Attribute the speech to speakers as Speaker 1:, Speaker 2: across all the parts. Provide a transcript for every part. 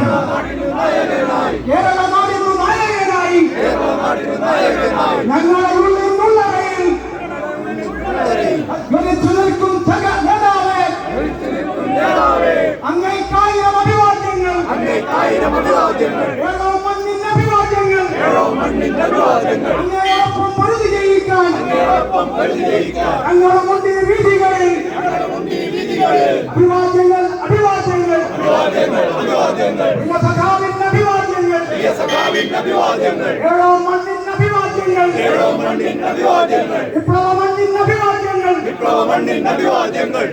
Speaker 1: ഞങ്ങളുടെ ഉള്ളിൽ നിന്നുള്ളവയിൽ ജ്വലിച്ചു നിൽക്കും നേതാവേ, അങ്ങേക്കായിരം അഭിവാദ്യങ്ങൾ, ഏഴോ മണ്ണിന്റെ അഭിവാദ്യങ്ങൾ, അങ്ങേയൊപ്പം പൊരുതി ജയിക്കാൻ ഞങ്ങളുടെ മുന്നിൽ വീതികളിൽ അഭിവാദ്യങ്ങൾ, സഖാവിന്റെ അഭിവാദ്യങ്ങൾ, ഏഴോ മണ്ണിന്റെ അഭിവാദ്യങ്ങൾ, വിപ്ലവ മണ്ണിന്റെ അഭിവാദ്യങ്ങൾ.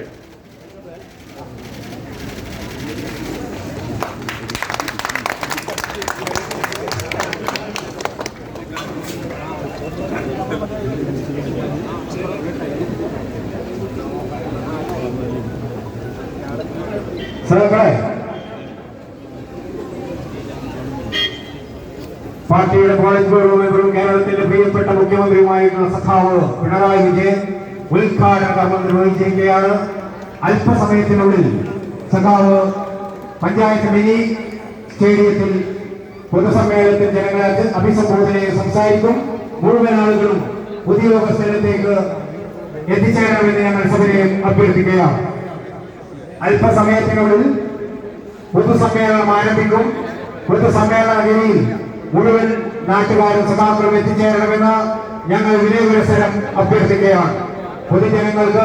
Speaker 2: പാർട്ടിയുടെ പോളിറ്റ് ബ്യൂറോ മെമ്പറും കേരളത്തിന്റെ പ്രിയപ്പെട്ട മുഖ്യമന്ത്രിയുമായിട്ടുള്ള സഖാവ് പിണറായി വിജയൻ ഉദ്ഘാടന കർമ്മം നിർവഹിച്ചിരിക്കുകയാണ്. അല്പസമയത്തിനുള്ളിൽ സഖാവ് പഞ്ചായത്ത് മിനി സ്റ്റേഡിയത്തിൽ പൊതുസമ്മേളനത്തിൽ ജനങ്ങളെ അഭിസംബോധന സംസാരിക്കും. മുഴുവൻ ആളുകളും ഉദ്യോഗസ്ഥരത്തേക്ക് എത്തിച്ചേരണമെന്ന് ഞങ്ങൾ സഭയെ അഭ്യർത്ഥിക്കുകയാണ്. അല്പസമയത്തിനുള്ളിൽ പൊതുസമ്മേളനം ആരംഭിക്കും. പൊതുസമ്മേളന വേദിയിൽ മുഴുവൻ നാട്ടുകാരും സഭാക്കളും എത്തിച്ചേരണമെന്ന് ഞങ്ങൾ വിനയപുരസരം അഭ്യർത്ഥിക്കുകയാണ്. പൊതുജനങ്ങൾക്ക്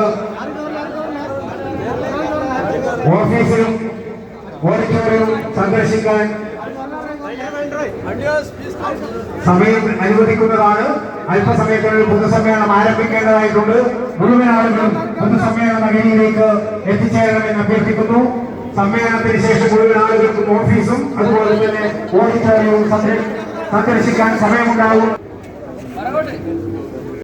Speaker 2: ഓഫീസിലും ഓഡിറ്റോറിയവും സന്ദർശിക്കാൻ സമയം അനുവദിക്കുന്നതാണ്. അല്പസമയത്തിനുള്ളിൽ പൊതുസമ്മേളനം ആരംഭിക്കേണ്ടതായിട്ടുണ്ട്. മുഴുവൻ ആളുകളും പൊതുസമ്മേളന വേദിയിലേക്ക് എത്തിച്ചേരണമെന്ന് അഭ്യർത്ഥിക്കുന്നു. സമ്മേളനത്തിന് ശേഷം മുഴുവൻ ആളുകൾക്കും ഓഫീസും അതുപോലെ തന്നെ ഓഡിറ്റോറിയവും സന്ദർശിക്കാൻ സമയമുണ്ടാകും.